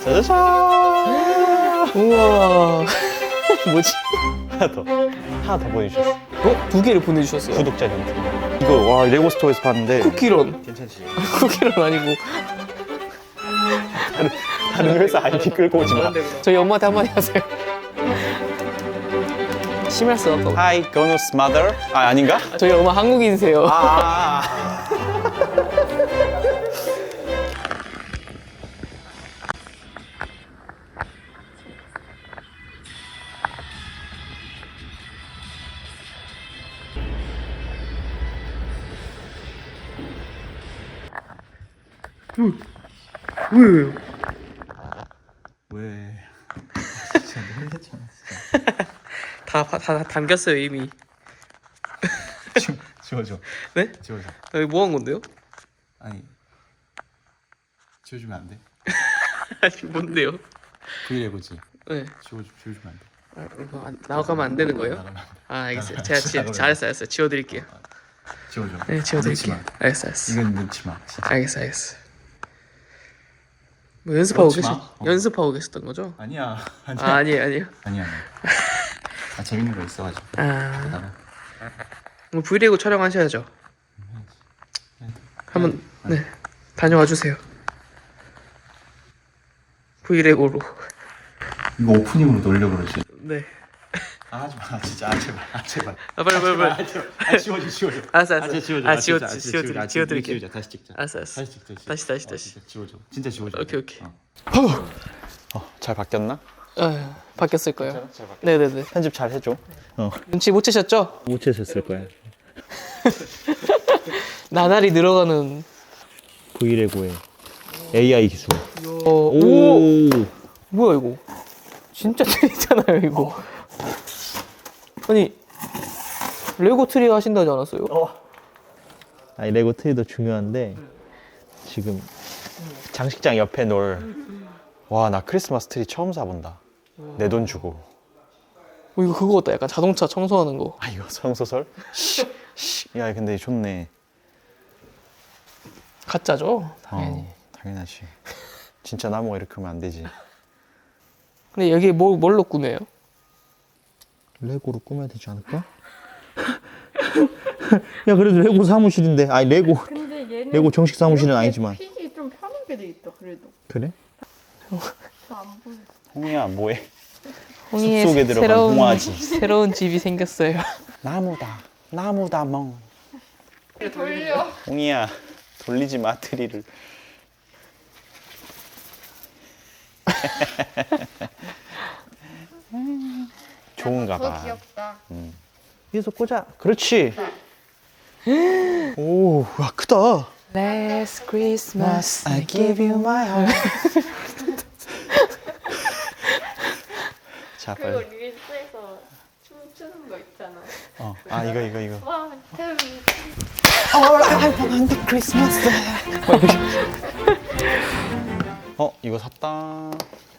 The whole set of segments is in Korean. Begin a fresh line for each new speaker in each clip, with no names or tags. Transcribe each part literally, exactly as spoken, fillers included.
짜자잔.
우와. 뭐지?
하나 더. 하나 더 보내주셨어.
어? 두 개를 보내주셨어요.
구독자 링크. 이거 와 레고 스토어에서 봤는데.
쿠키런.
괜찮지?
쿠키런 아니고.
다른, 다른 회사 아이디 끌고 오지 마.
저희 엄마한테 한마디 하세요. 심할 수 없다고.
Hi, Gonu's mother. 아 아닌가?
저희 엄마 한국인이세요.
아.
왜요?
왜? 진짜 놀랬잖아.
다, 다, 다 담겼어요 이미.
지워, 지워줘.
네?
지워줘.
여기 뭐 한 건데요?
아니 지워주면 안 돼?
아니 뭔데요?
브이레고지.
네.
지워주, 지워주면 안 돼?
아, 이거 안, 나가면 안 되는 거예요?
나가면 안 돼.
아 알겠어요.
나가면
제가
안 돼.
지,
나가면
잘했어요, 알았어요. 지워드릴게요.
지워줘.
네, 지워드릴게요.
넣지 마.
알겠어, 알겠어.
이건 넣지 마. 진짜.
알겠어, 알겠어. 뭐 연습하고
넣지
계셨,
마. 어.
연습하고 계셨던 거죠?
아니야. 아니야.
아 아니에요, 아니에요.
아니야. 아니야. 아 재밌는 거 있어가지고.
아,
나가.
뭐 브이레고 촬영하셔야죠. 한번 네 다녀와 주세요. 브이레고로.
이거 오프닝으로 놀려 그러지.
네.
아 하지 마. 진짜 아 제발. 아 제발.
아 빨리 빨리 빨리.
아, 제발. 아 지워줘 지워줘.
알았어, 알았어.
아, 진짜 지워줘.
아,
아,
지워-
진짜. 아, 진짜
지워-
지워줘. 아,
지워드릴게요.
지워줘. 다시 찍자.
알았어, 알았어.
다시 찍자.
다시, 다시,
어,
다시.
진짜 지워줘. 진짜 지워줘.
오케이, 오케이.
어. 어, 잘 바뀌었나?
아, 바뀌었을 거예요.
잘 바뀌었.
네네네.
편집 잘 해줘. 어.
눈치 못 채셨죠?
못 채셨을 거야.
나날이 늘어가는.
브이레고의 에이아이 기술.
어, 오,
오.
뭐야 이거? 진짜 트리잖아요 이거. 아니 레고 트리 하신다지 않았어요?
어. 아니 레고 트리도 중요한데 지금 장식장 옆에 놓을. 와 나 크리스마스 트리 처음 사본다. 내 돈 주고.
어, 이거 그거 같다. 약간 자동차 청소하는 거.
아 이거 성소설? 야 근데 좋네.
가짜죠? 당연히.
어, 당연하지. 진짜 나무가 이렇게 하면 안 되지.
근데 여기 뭐 뭘로 꾸며요?
레고로 꾸며야 되지 않을까? 야 그래도 레고 사무실인데. 아니 레고
근데 얘는
레고 정식 사무실은
이렇게
아니지만.
픽이 좀 편하게 돼 있다 그래도.
그래?
잘 안 보여.
홍이야 뭐해?
홍이의
숲속에 들어간
새로운
홍아지.
새로운 집이 생겼어요.
나무다 나무다 멍.
돌려.
홍이야 돌리지 마 트리를. 좋은가
더
봐.
귀엽다.
위에서 꽂아. 그렇지. 오, 와 크다.
Last Christmas
I give you my heart. 자
그리고
빨리.
릴스에서 춤추는 거 있잖아.
어, 아 이거 이거 이거.
One, two,
크리스마스. 어 이거 샀다.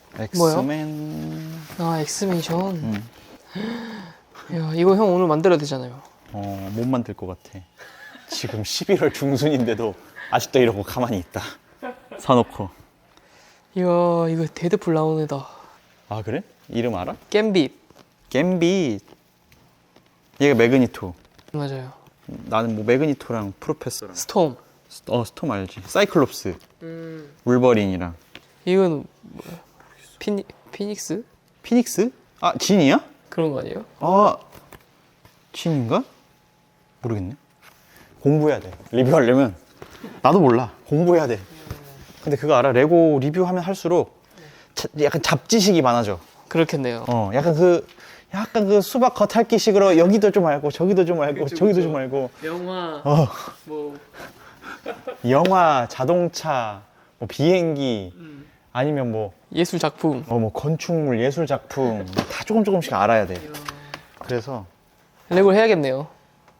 엑스맨.
아 엑스맨션.
응.
야 이거 형 오늘 만들어야 되잖아요.
어, 못 만들 것 같아. 지금 십일월 중순인데도 아직도 이러고 가만히 있다. 사놓고.
이야 이거 데드풀 나오는 애다.
아 그래? 이름 알아?
겜빗.
갬빗. 얘가 매그니토.
맞아요.
나는 뭐 매그니토랑 프로페서랑.
스톰.
어 스톰 알지? 사이클롭스.
음.
울버린이랑.
이건 뭐야? 피니 피닉스?
피닉스? 아 진이야?
그런 거 아니에요?
아 진인가? 모르겠네. 공부해야 돼. 리뷰하려면 나도 몰라. 공부해야 돼. 근데 그거 알아? 레고 리뷰하면 할수록 자, 약간 잡지식이 많아져.
그렇겠네요.
어, 약간 그 약간 그 수박 겉핥기식으로 여기도 좀 알고 저기도 좀 알고
그쵸,
저기도
그쵸.
좀 알고.
영화
어,
뭐
영화, 자동차, 뭐 비행기 아니면 뭐
예술 작품.
어, 뭐 건축물, 예술 작품 다 조금 조금씩 알아야 돼. 그래서
레고 해야겠네요.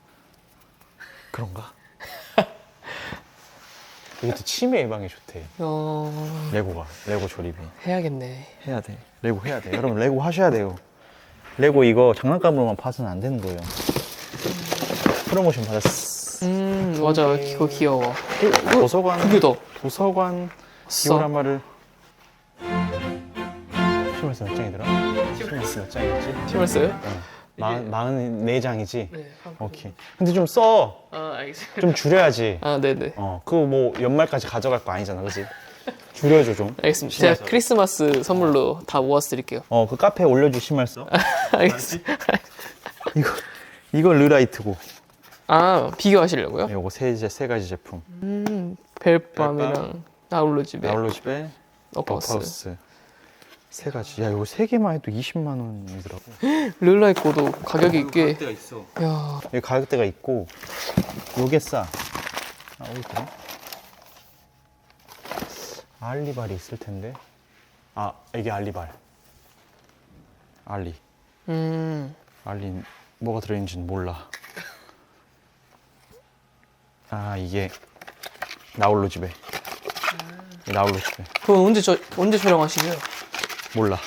그런가? 이것도 치매 예방에 좋대.
어
레고가 레고 조립이
해야겠네.
해야 돼. 레고 해야 돼. 여러분 레고 하셔야 돼요. 레고 이거 장난감으로만 봐서는 안 되는 거예요. 프로모션 받았어.
음 맞아 이거 귀여워.
도서관
그게 더
도서관
써.
디오라마를 시멀스 몇 장이더라? 시멀스 몇 장이었지?
심었어요?
어. 마, 마흔네 장이지?
네.
오케이. 근데 좀 써.
아 알겠습니다.
좀 줄여야지.
아 네네.
어, 그거 뭐 연말까지 가져갈 거 아니잖아, 그지? 줄여줘 좀.
알겠습니다.
심었어.
제가 크리스마스 선물로 다 모아서 드릴게요.
어, 그 카페에 올려줄 시멀스.
알겠습니다.
이거 이거 르라이트고.
아 비교하시려고요?
요거 세, 제- 세 가지 제품.
음 벨밤이랑 나홀로집에
나홀로 집에
어파우스.
어파우스 세 가지. 야, 이거 세 개만 해도 이십만 원이더라고.
르라 있고도 가격이 꽤.
있어.
야
여기 가격대가 있고 요게 싸. 아, 어디 있더라? 알리발이 있을 텐데. 아, 이게 알리발. 알리.
음.
알리 뭐가 들어있는지는 몰라. 아, 이게 나홀로 집에. 이 나홀로 집에.
그건 언제 저 언제 촬영하시게요?
몰라.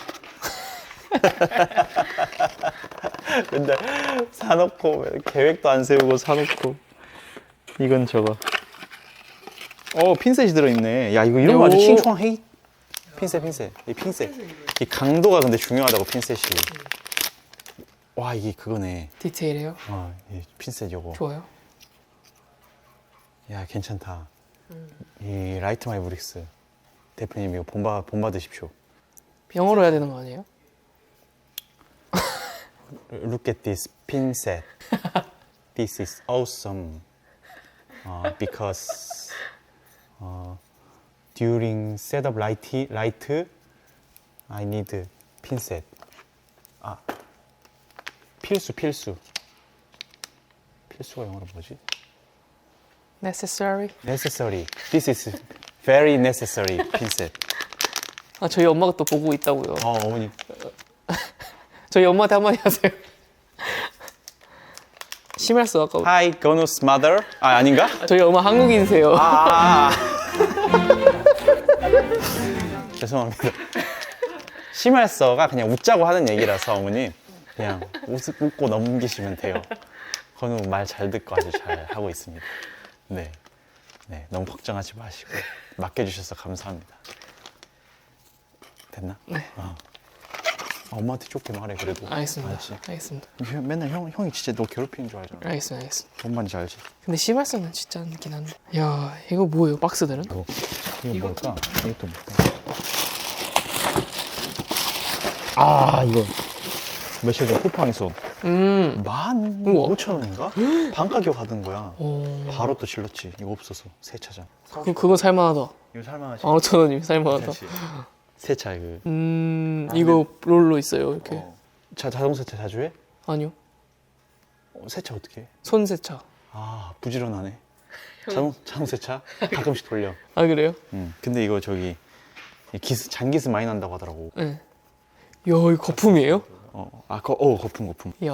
근데 사놓고 계획도 안 세우고 사놓고 이건 저거. 어, 핀셋이 들어있네. 야, 이거 이런 거 아주
오.
칭총해. 핀셋, 핀셋. 이 핀셋. 이 강도가 근데 중요하다고, 핀셋이. 와, 이게 그거네.
디테일해요?
어, 이 핀셋 요거.
좋아요.
야, 괜찮다. 이 라이트 마이 브릭스 대표님 이거 본받 본받으십시오.
영어로 해야 되는 거 아니에요?
Look at this pin set. This is awesome. Uh, because uh, during setup light, light, I need pin set. 아, 필수 필수. 필수가 영어로 뭐지?
Necessary.
Necessary. This is very necessary pin set.
아 저희 엄마가 또 보고 있다고요.
어, 어머니.
저희 엄마한테 한마디 하세요. 심했어 아까.
Hi, Gonu's mother. 아, 아닌가?
저희 엄마 한국인이세요.
아, 아, 아. 죄송합니다. 심할서가 그냥 웃자고 하는 얘기라서 어머니 그냥 웃, 웃고 넘기시면 돼요. 건우 말 잘 듣고 아주 잘 하고 있습니다. 네, 네, 너무 걱정하지 마시고 맡겨주셔서 감사합니다. 됐나?
네.
어. 아, 엄마한테 좋게 말해 그래도.
알겠습니다.
알지?
알겠습니다.
형, 맨날 형, 형이 진짜 너 괴롭히는 줄 알잖아.
알겠습니다. 알겠습니다.
뭔 말인지 알지?
근데 심할서는 진짜 않긴 한데. 야 이거 뭐예요? 박스들은?
이거, 이거 뭘까? 이것도 뭘까? 아, 이거 며칠 전 쿠팡에서
음.
만
우와.
오천 원인가? 반가격 하던 거야.
오.
바로 또 질렀지. 이거 없어서 세차장.
그 그거 살만하다.
이거 살만하지?
만 오천 원이면 살만하다.
세차 이거.
음 이거 롤로 있어요 이렇게.
어. 자, 자동 세차 자주 해?
아니요.
어, 세차 어떻게 해?
손 세차.
아, 부지런하네. 자동 자동 세차 가끔씩 돌려.
아 그래요?
음. 근데 이거 저기 이 기스 잔기스 많이 난다고 하더라고.
네. 야 이거 거품이에요?
어, 아, 거, 어, 거품 거품.
야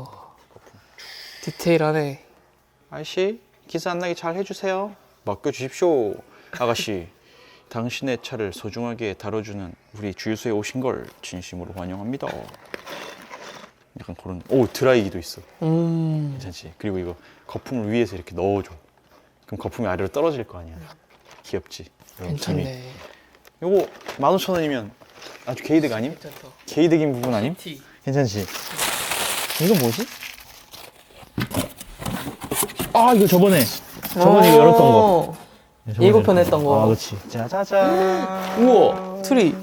디테일하네.
아저씨, 기스 안 나게 잘 해주세요. 맡겨주십시오, 아가씨. 당신의 차를 소중하게 다뤄주는 우리 주유소에 오신 걸 진심으로 환영합니다. 약간 그런. 오, 드라이기도 있어.
음.
괜찮지? 그리고 이거 거품을 위에서 이렇게 넣어줘. 그럼 거품이 아래로 떨어질 거 아니야. 귀엽지? 이런 재미.
괜찮네.
요거 만 오천 원이면 아주 개이득 아님?
괜찮다.
개이득인 부분 아님?
티.
괜찮지? 이거 뭐지? 아, 이거 저번에 저번에 이거 열었던 거. 저번에
예고편
열었던
했던 거.
아, 그렇지. 짜자잔.
우와 트리.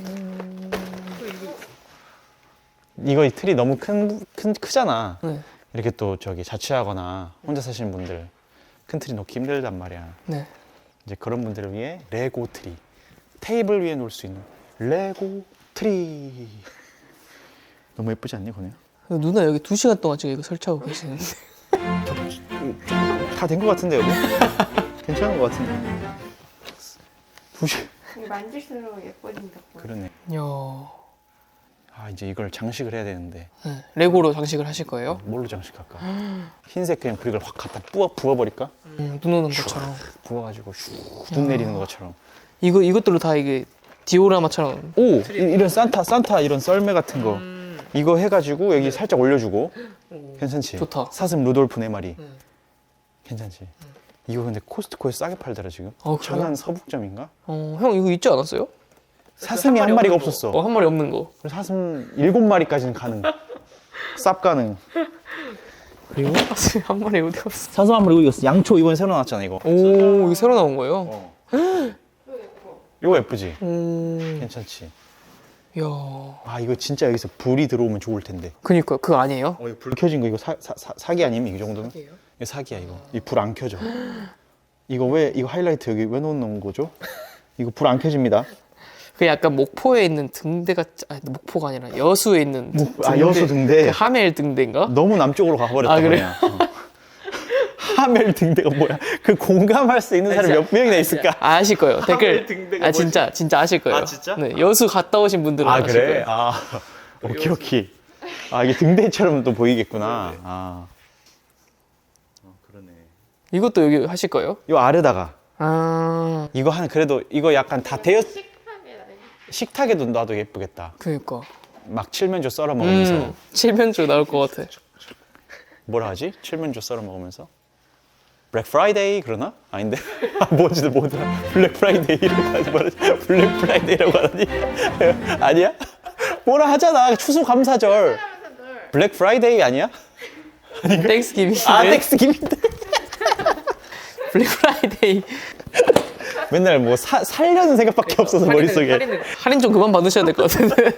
이거 이 틀이 너무 큰, 큰 크잖아.
네.
이렇게 또 저기 자취하거나 혼자 사시는 분들 큰 틀이 놓기 힘들단 말이야.
네.
이제 그런 분들을 위해 레고 트리, 테이블 위에 놓을 수 있는 레고 트리. 너무 예쁘지 않니, 건우야?
누나 여기 두 시간 동안 지금 이거 설치하고 계시는데.
다 된 것 같은데 여기? 괜찮은 것 같은데. 두 시.
이게 만질수록 예뻐진다고.
그러네.
야.
아, 이제 이걸 장식을 해야 되는데
네. 레고로 장식을 하실 거예요?
뭘로 장식할까? 흰색 그냥 브릭을 확 갖다 부어 부어버릴까?
음, 눈 오는 것처럼.
부어가지고 슉눈 내리는 것처럼.
이거 이것들로 다 이게 디오라마처럼.
오, 이, 이런 산타 산타 이런 썰매 같은 거 이거 해가지고 여기 살짝 올려주고. 괜찮지?
좋다.
사슴 루돌프 네 마리.
음.
괜찮지? 이거 근데 코스트코에 싸게 팔더라 지금.
어, 그래요?
천안 서북점인가?
어, 형 이거 있지 않았어요?
사슴이 한 마리가 없었어.
어, 한 마리 없는 거.
그래서 사슴 일곱 마리까지는 가능. 쌉 가능. 그리고
사슴이 한 마리 어디 갔어?
사슴 한 마리 이거 양초 이번에 새로 나왔잖아 이거.
오, 이거 새로 나온 거예요?
어. 이거 예쁘지?
오,
괜찮지?
이야.
아 이거 진짜 여기서 불이 들어오면 좋을 텐데.
그니까 그거 아니에요?
어 이거 불 켜진 거 이거 사, 사, 사, 사기 아니면 이 정도면?
사기예요?
이거 사기야 이거. 이 불 안 켜져. 이거 왜 이거 하이라이트 여기 왜 놓는 거죠? 이거 불 안 켜집니다.
그 약간 목포에 있는 등대 같 아니 목포가 아니라 여수에 있는 등-
아, 여수 등대.
그 하멜 등대인가?
너무 남쪽으로 가버렸다.
아, 그래요?
그냥. 어. 하멜 등대가 뭐야? 그 공감할 수 있는 사람이 몇 명이나 있을까?
아, 아실 거예요. 댓글.
등대가
아 진짜 진짜 아실 거예요.
아, 진짜?
네, 여수 갔다 오신 분들은
아
아실
그래?
거예요.
아 오케이 오케이. 아 이게 등대처럼 또 보이겠구나. 아. 어, 그러네.
이것도 여기 하실 거예요?
이 아래다가
아,
이거 한 그래도 이거 약간 다 되었
식탁에 나
식탁에도 놔도 예쁘겠다.
그니까.
막 칠면조 썰어 먹으면서
음, 칠면조 나올 것 같아.
뭐라 하지? 칠면조 썰어 먹으면서 블랙 프라이데이 그러나? 아닌데? 아, 뭐지 뭐더라? 블랙 프라이데이라고 하지 말지. 블랙 프라이데이라고 하다니? 아니야? 뭐라 하잖아. 추수감사절.
하면서들
블랙 프라이데이 아니야?
땡스기빙.
아 텍스기민데.
블랙 프라이데이.
맨날 뭐 사, 살려는 생각밖에 없어서 머릿속에.
할인, 할인 좀 그만 받으셔야 될 것 같은데.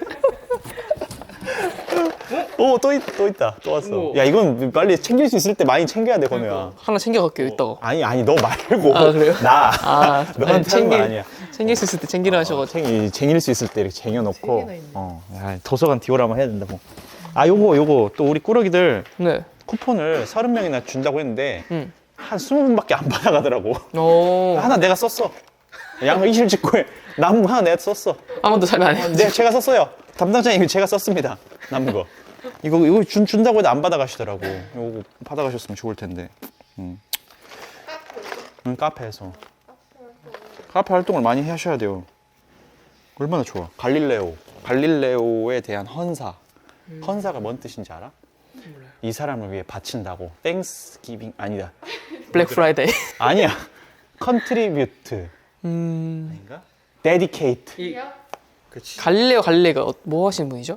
오, 또, 있, 또 있다. 또 왔어.
어머.
야, 이건 빨리 챙길 수 있을 때 많이 챙겨야 돼, 건우야.
하나 챙겨갈게요, 이따가.
아니, 아니, 너 말고.
아, 그래요?
나.
아,
너한테
아니,
하는
챙길-
거 아니야.
챙길 수 있을 때 챙기라 하셔가지고.
챙, 쟁일 수 있을 때 이렇게 쟁여놓고.
쟁여놔 있네.
어, 야, 도서관 디오라마 해야 된다고. 아, 요거, 요거. 또 우리 꾸러기들
네.
쿠폰을 서른 명이나 준다고 했는데,
음.
한 스무 분밖에 안 받아가더라고.
오.
하나 내가 썼어. 양 이실 직후에 남은 거 하나 내가 썼어.
아무도 잘 안 해.
네, 제가 썼어요. 담당자님 제가 썼습니다. 남은 거. 이거 이거 준, 준다고 해도 안 받아가시더라고. 이거 받아가셨으면 좋을 텐데. 음. 응, 카페에서. 카페 활동을 많이 하셔야 돼요. 얼마나 좋아. 갈릴레오. 갈릴레오에 대한 헌사. 헌사가 뭔 뜻인지 알아? 이 사람을 위해 바친다고. 땡스 기빙 아니다.
블랙 프라이데이.
아니야. 컨트리뷰트.
음.
아닌가? 데디케이트.
이요?
그렇지.
갈릴레오 갈릴레가 어- 뭐 하시는 분이죠?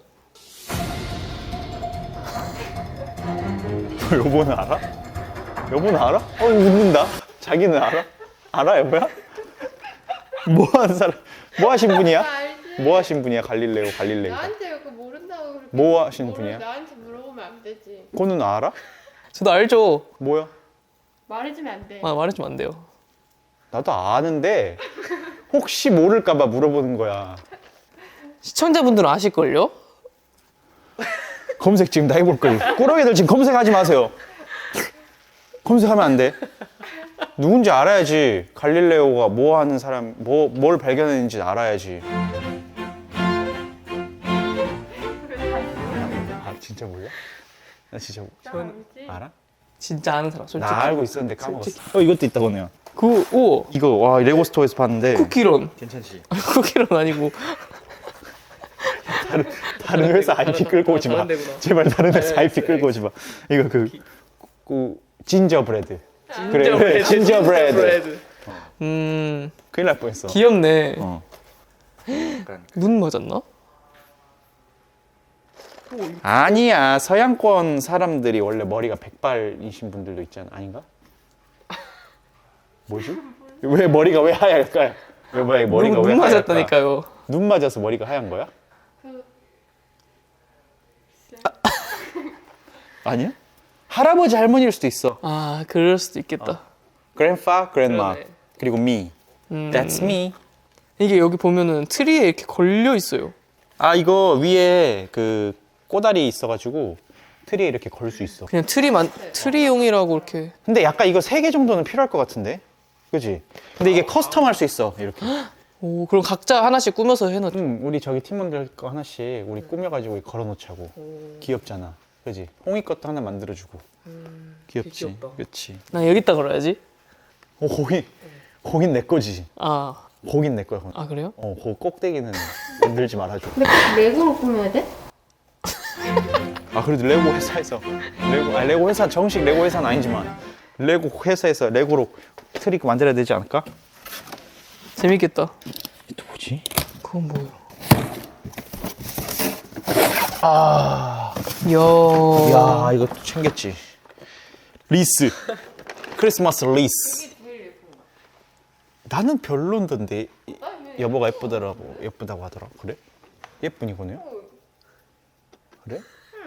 여보는 알아? 여보는 알아? 어, 웃는다. 자기는 알아? 알아, 여보야? 뭐 하는 사람? 뭐 하신
나
분이야?
알지.
뭐 하신 분이야, 갈릴레오, 갈릴레오.
나한테 그거 모른다고 그렇게
뭐 하시는
모르-
분이야?
나한테 물어보면 안 되지.
그거는 알아?
저도 알죠.
뭐야?
말해주면 안 돼.
아, 말해주면 안 돼요.
나도 아는데 혹시 모를까봐 물어보는 거야.
시청자분들은 아실걸요?
검색 지금 다 해볼 걸. 꾸러기들 지금 검색하지 마세요. 검색하면 안 돼. 누군지 알아야지. 갈릴레오가 뭐 하는 사람, 뭐, 뭘 발견했는지 알아야지. 아, 진짜 몰라? 나 진짜
나 알지.
알아?
진짜 아는 사람, 솔직히.
나 알고 있었는데 까먹었어.
솔직히.
어, 이것도 있다, 건우야.
그, 오,
이거, 와, 레고 스토어에서 봤는데.
쿠키런.
괜찮지?
쿠키런 아니고.
다른 회사 아이피 끌고 오지 마.
다른 데구나.
제발 다른 회사
네,
아이피
네.
끌고 오지 마. 이거 그, 그 진저브레드. 그래,
진저브레드.
진저브레드.
음,
큰일 날 뻔했어.
귀엽네.
어.
눈 맞았나?
아니야, 서양권 사람들이 원래 머리가 백발이신 분들도 있잖아. 아닌가? 뭐지? 왜 머리가 왜 하얄까요? 왜 머리가 머리가
눈
왜 하얄까?
맞았다니까요.
눈 맞아서 머리가 하얀 거야?
그
아니야? 할아버지 할머니일 수도 있어.
아, 그럴 수도 있겠다.
Grandpa, Grandma.
그러네.
그리고 me.
음.
That's me.
이게 여기 보면은 트리에 이렇게 걸려 있어요.
아, 이거 위에 그 꼬다리 있어가지고 트리에 이렇게 걸 수 있어.
그냥 트리만, 트리용이라고 이렇게.
근데 약간 이거 세 개 정도는 필요할 것 같은데? 그지? 근데 이게 커스텀 할 수 있어, 이렇게.
오, 그럼 각자 하나씩 꾸며서 해놨죠.
음, 우리 저기 팀원들 거 하나씩 우리 꾸며가지고 걸어놓자고. 귀엽잖아. 그지? 홍이 것도 하나 만들어주고. 귀엽지?
귀엽다.
그치?
난 여기다 걸어야지.
어, 거긴, 거긴 내 거지.
아,
거긴 내 거야. 거긴.
아, 그래요?
어, 그 꼭대기는 만들지 말아줘.
근데 꼭 레고로 꾸며야 돼?
아, 그래도 레고 회사에서 레고, 아, 레고 회사 정식 레고 회사는 아니지만 레고 회사에서 레고로 트리 만들어야 되지 않을까?
재밌겠다.
또 뭐지?
그건 뭐예요?
아,
이야.
야 이거 또 챙겼지. 리스. 크리스마스 리스.
이게 제일 예쁜 거.
나는 별론던데 이-
아, 왜
여보가
예뻐?
예쁘더라고 예쁘다고 하더라. 그래? 예쁜 이거네요?
어,
그래?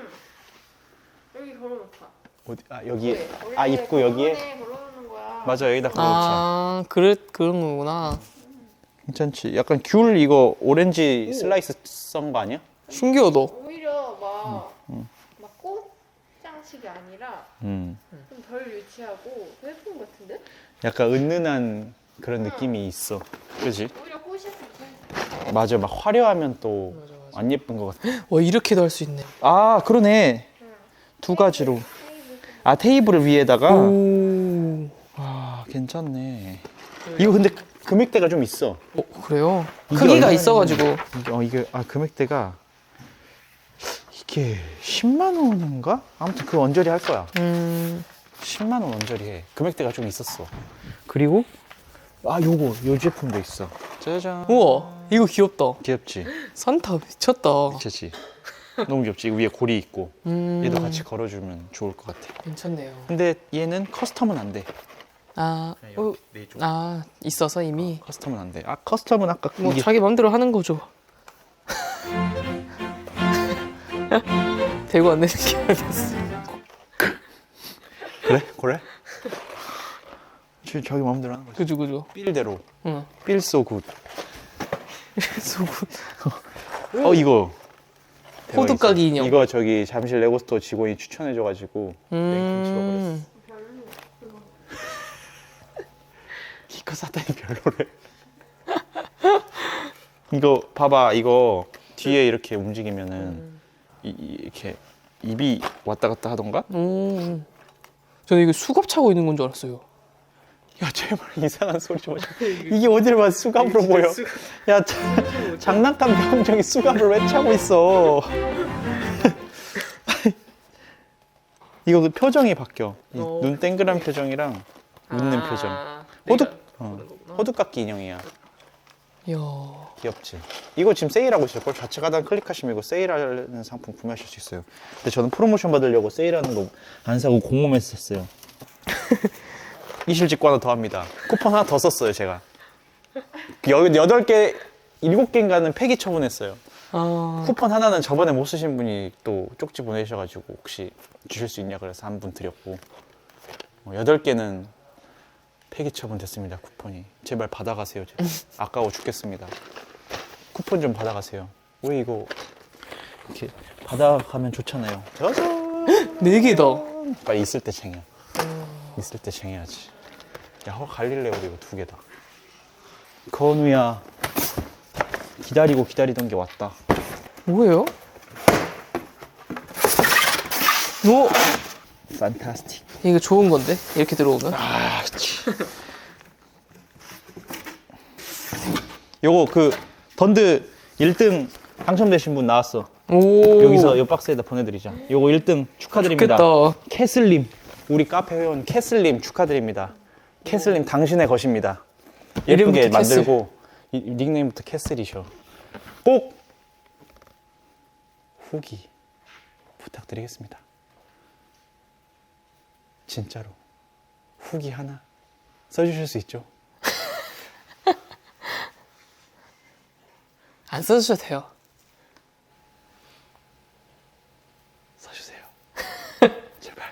여기 걸어놓자.
어디? 아 여기.
왜?
아
원래
입구 여기에.
걸어놓네, 걸어놓는 거야.
맞아 여기다 걸어놓자.
아, 그래, 그런 거구나.
괜찮지. 약간 귤 이거 오렌지 슬라이스 썬 거 아니야?
신기하다.
오히려 막, 막 꽃장식이 아니라
음.
좀 덜 유치하고 더 예쁜 것 같은데?
약간 은은한 그런 느낌이 있어. 그지?
오히려 꽃이었으면 좋겠어.
맞아. 막 화려하면 또
맞아, 맞아.
안 예쁜 것 같아.
와, 이렇게도 할 수 있네.
아 그러네. 두 가지로. 아 테이블을 위에다가.
오.
아 괜찮네. 이거 근데 금액대가 좀 있어.
어, 그래요?
이게
크기가
얼마나
있어가지고.
이게 어 이게 아 금액대가 이게 십만 원인가? 아무튼 그 언저리 할 거야.
음.
십만 원 언저리 해. 금액대가 좀 있었어. 그리고 아 요거 요 제품도 있어. 짜잔.
우와, 이거 귀엽다.
귀엽지?
산타 미쳤다.
그치? 너무 귀엽지? 이거 위에 고리 있고
음.
얘도 같이 걸어주면 좋을 것 같아.
괜찮네요.
근데 얘는 커스텀은 안 돼.
아, 어,
네 쪽.
아, 있어서 이미.
커스텀은 안 돼. 아 커스텀은 아까
뭐
이게
자기 맘대로 하는 거죠. 대고 안 되는 게 아니었어.
그래? 그래? 저, 저기 마음대로 하는 거지.
그죠, 그죠.
삘대로.
응.
삘소 굿.
소금.
어 이거.
호두
대박
까기
있어.
인형.
이거 저기 잠실 레고스토어 직원이 추천해줘가지고 랭킹 찍어버렸어.
음.
이거 사다니 별로래. 이거 봐봐 이거 뒤에 이렇게 움직이면은 이, 이- 이렇게 입이 왔다 갔다 하던가?
음. 저는 이거 수갑 차고 있는 건 줄 알았어요.
야 제발 이상한 소리 좀 하지 마. 이게 어딜 봐 수갑으로 보여. 야 자, 장난감 병정이 수갑을 왜 차고 있어. 이거 그 표정이 바뀌어. 이
어.
눈 땡그란 표정이랑 웃는 표정.
아,
호두
내가
어,
그런 거구나.
호두깎이 인형이야.
이야.
귀엽지. 이거 지금 세일하고 있을 걸. 좌측 하단 클릭하시면 이거 세일하는 상품 구매하실 수 있어요. 근데 저는 프로모션 받으려고 세일하는 거 안 사고 공모해서 샀어요. 이실직구 하나 더 합니다. 쿠폰 하나 더 썼어요, 제가. 여, 여덟 개, 일곱 개인가는 폐기 처분했어요.
아,
쿠폰 하나는 저번에 못 쓰신 분이 또 쪽지 보내셔가지고 혹시 주실 수 있냐 그래서 한 분 드렸고 어, 여덟 개는 폐기 처분됐습니다. 쿠폰이 제발 받아가세요. 제발. 아까워 죽겠습니다. 쿠폰 좀 받아가세요. 왜 이거 이렇게 받아가면 좋잖아요. 짜잔.
네 개다.
빨리 있을 때 챙겨. 있을 때 챙겨야지. 야, 어, 갈릴레오도 이거 두 개다. 건우야, 기다리고 기다리던 게 왔다.
뭐예요? 오!
판타스틱.
이거 좋은 건데? 이렇게 들어오면?
아, 치. 요거 그 던드 일 등 당첨되신 분 나왔어.
오.
여기서 요 박스에다 보내드리자. 요거 일 등 축하드립니다.
좋겠다.
캐슬님, 우리 카페 회원 캐슬님 축하드립니다. 캐슬님 당신의 것입니다. 예쁘게
이름부터 캐슬.
만들고 이- 닉네임부터 캐슬이셔. 꼭 후기 부탁드리겠습니다. 진짜로 후기 하나 써주실 수 있죠?
안 써주셔도 돼요.
써주세요. 제발.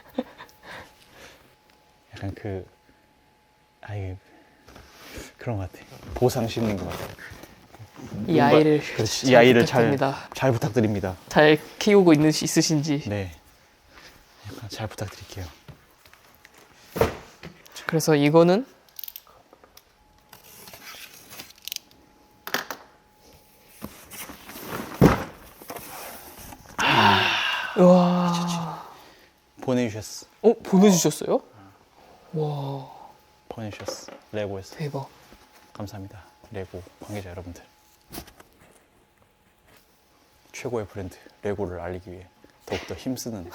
약간 그 아이 그런 것 같아. 보상 심리인 것 같아.
이 아이를
그렇지.
잘
이 아이를 잘,
부탁드립니다.
잘 부탁드립니다.
잘 키우고 있는 있으신지.
네. 약간 잘 부탁드릴게요.
그래서 이거는 와.
보내주셨어.
어, 보내주셨어요? 와,
보내주셨어. 레고에서.
대박.
감사합니다. 레고 관계자 여러분들. 최고의 브랜드 레고를 알리기 위해 더욱더 힘쓰는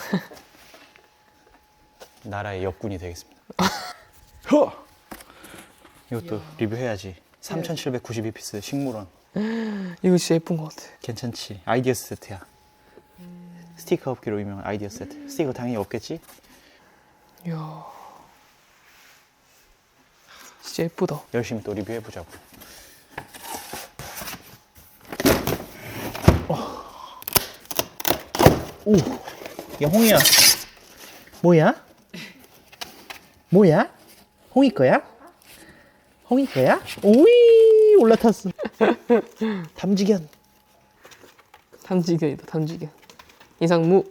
나라의 역군이 되겠습니다. 허! 이것도 리뷰해야지. 삼천칠백구십이 피스 식물원.
이거 진짜 예쁜 것 같아.
괜찮지? 아이디어 세트야. 스티커 업기로 유명한 아이디어 세트. 스티커 당연히 없겠지?
이야. 진짜 예쁘다.
열심히 또 리뷰해보자고. 어. 오, 야 홍이야. 뭐야? 뭐야? 홍이 거야? 홍이 거야? 오이 올라탔어. 탐지견.
탐지견이다, 탐지견. 이상무.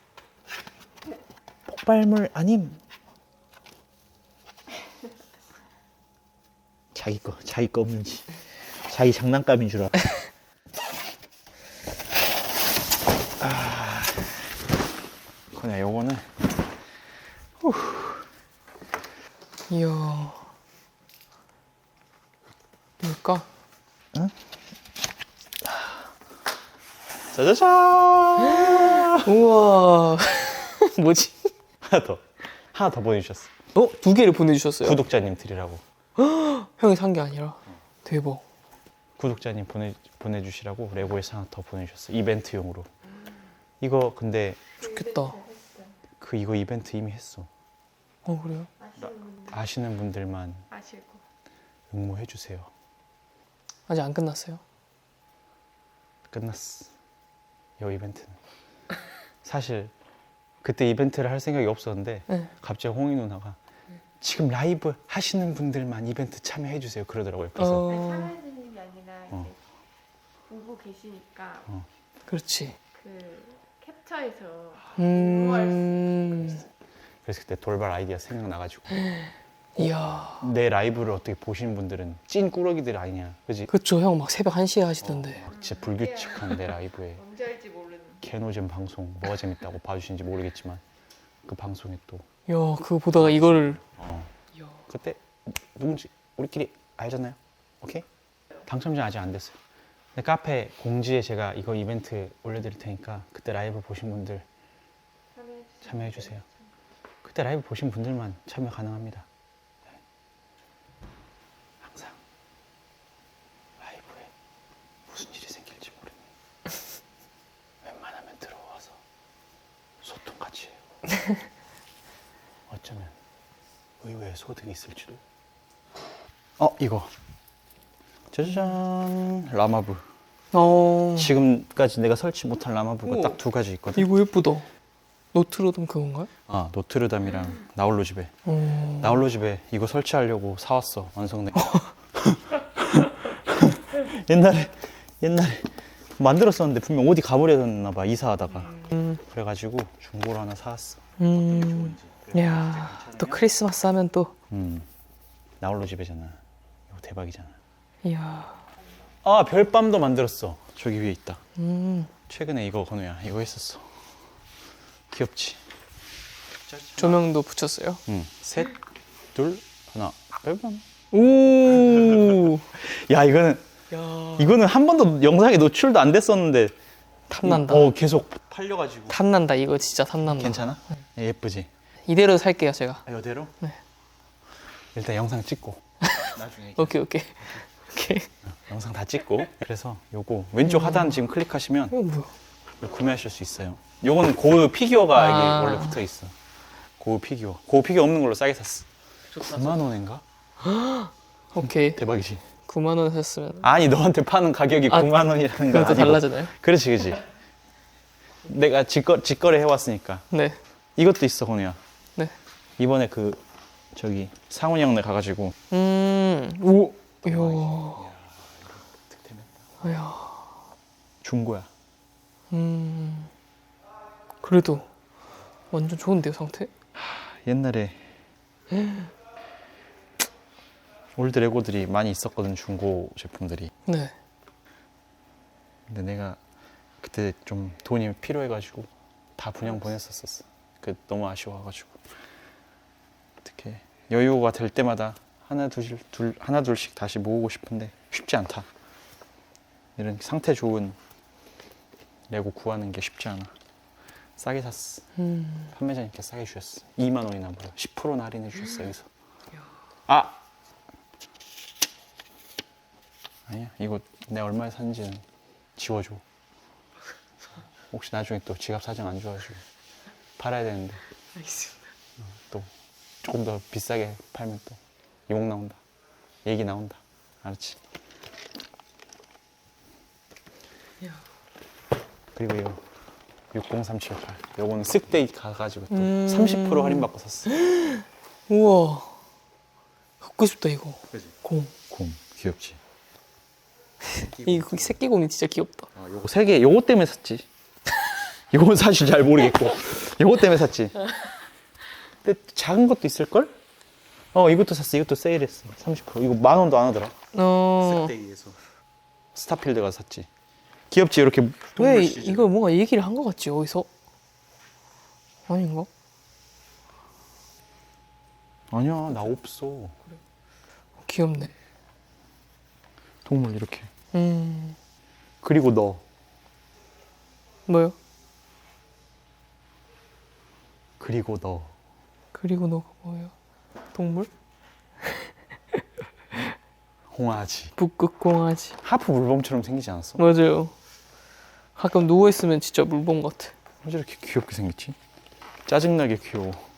폭발물 아님. 자기 거, 자기 거 없는지. 자기 장난감인 줄 알아. 아, 그냥 요거는
이야. 뭘까?
짜자잔.
우와. 뭐지?
하나 더, 하나 더 보내주셨어.
어? 두 개를 보내주셨어요?
구독자님 드리라고.
형이 산 게 아니라. 대박.
구독자님 보내 보내주시라고 레고에서 하나 더 보내주셨어. 이벤트용으로. 이거 근데
좋겠다.
그 이거 이벤트 이미 했어.
어, 그래요?
아시는 분들
아시는 분들만
아시고.
응모해 주세요.
아직 안 끝났어요?
끝났어. 이 이벤트는. 사실 그때 이벤트를 할 생각이 없었는데
네.
갑자기 홍이 누나가 지금 라이브 하시는 분들만 이벤트 참여해 주세요 그러더라고요. 그래서
아니,
어,
참여해주는 게 아니라
어.
이제 보고 계시니까
어.
그렇지.
그 캡처해서
음,
그래서 그때 돌발 아이디어 생각나가지고
이야.
내 라이브를 어떻게 보시는 분들은 찐 꾸러기들 아니냐, 그지?
그쵸, 형 막 새벽 한 시에 하시던데.
막 진짜 불규칙한 내 라이브에
언제 할지 모르는.
개노잼 방송 뭐가 재밌다고 봐주시는지 모르겠지만 그 방송에 또
이야, 그거 보다가 이거를.
어,
이야.
그때 누군지 우리끼리 알잖아요. 오케이? 당첨자 아직 안 됐어요. 근데 카페 공지에 제가 이거 이벤트 올려드릴 테니까 그때 라이브 보신 분들
참여해주세요.
참여해주세요. 그때 라이브 보신 분들만 참여 가능합니다. 네. 항상 라이브에 무슨 일이 생길지 모르니 웬만하면 들어와서 소통같이 해요. 어쩌면 의외의 소득이 있을지도. 어, 이거 짜잔, 라마부.
어,
지금까지 내가 설치 못한 라마부가
우와.
딱 두 가지 있거든.
이거 예쁘다. 노트로덤 그건가요?
아, 노트르담이랑 나홀로 집에.
어,
나홀로 집에 이거 설치하려고 사왔어, 완성돼. 옛날에 옛날에 만들었었는데 분명 어디 가버렸나 봐, 이사하다가.
음,
그래가지고 중고로 하나 사왔어.
음, 야, 또 크리스마스 하면 또,
음, 나홀로 집에잖아. 이거 대박이잖아.
이야,
아, 별밤도 만들었어. 저기 위에 있다.
음,
최근에 이거 건우야, 이거 했었어. 귀엽지?
조명도 붙였어요.
응. 셋, 둘, 하나. 별밤.
오,
야, 이거는
야,
이거는 한 번도 영상에 노출도 안 됐었는데
탐난다.
어, 계속 팔려가지고.
탐난다. 이거 진짜 탐난다.
괜찮아? 예쁘지?
이대로 살게요, 제가.
아, 이대로?
네.
일단 영상 찍고 나중에
오케이, 오케이. 오케이.
영상 다 찍고. 그래서 요거 왼쪽 하단 지금 클릭하시면
이거 뭐야?
구매하실 수 있어요. 요거는 고우 피규어가
아.
이게 원래 붙어 있어. 고우 피규어. 고우 피규어 없는 걸로 싸게 샀어. 구만 원인가?
오케이.
대박이지.
구만 원 샀으면.
아니, 너한테 파는 가격이
아,
구만 원이라는 거
그것도
아니고.
달라지나요?
그렇지, 그렇지. 내가 직거, 직거래 해왔으니까.
네.
이것도 있어, 건우야.
네.
이번에 그 저기 상훈이 형네 가가지고
음, 오, 이야,
득템했다.
이야,
중고야.
음, 그래도 완전 좋은데요, 상태?
옛날에 올드 레고들이 많이 있었거든, 중고 제품들이.
네.
근데 내가 그때 좀 돈이 필요해가지고 다 분양 보냈었었어. 그 너무 아쉬워가지고. 어떻게 여유가 될 때마다 하나 둘, 둘 하나 둘씩 다시 모으고 싶은데 쉽지 않다. 이런 상태 좋은 레고 구하는 게 쉽지 않아. 싸게 샀어.
음,
판매자님께 싸게 주셨어. 이만 원이나 무려 십 퍼센트나 할인해 주셨어. 여기서. 아, 아니야, 이거 내가 얼마에 샀는지는 지워줘. 혹시 나중에 또 지갑 사정 안 좋아지고 팔아야 되는데
알겠습니다.
또 조금 더 비싸게 팔면 또 욕 나온다. 얘기 나온다. 알았지?
야.
그리고 이거 육공삼칠팔. 요거는 쓱데이 가가지고 또
음.
삼십 퍼센트 할인받고 샀어.
우와. 갖고 싶다 이거.
그지?
곰.
곰 귀엽지?
이 새끼 곰이 진짜 귀엽다.
아, 요거 세 개, 요거 때문에 샀지. 요건 사실 잘 모르겠고, 요거 때문에 샀지. 근데 작은 것도 있을걸? 어, 이것도 샀어. 이것도 세일했어. 삼십 퍼센트. 이거 만 원도 안 하더라.
어.
쓱데이에서. 스타필드 가서 샀지. 귀엽지? 이렇게.
왜
동물
이-
시즌.
이걸 뭔가 얘기를 한 것 같지 여기서? 아닌가?
아니야, 나 없어.
귀엽네.
동물 이렇게.
음.
그리고 너.
뭐요?
그리고 너.
그리고 너가 뭐예요? 동물?
홍아지.
북극공아지.
하프 물범처럼 생기지 않았어?
맞아요. 가끔 누워 있으면 진짜 물범 같아.
왜 저렇게 귀엽게 생겼지? 짜증나게 귀여워.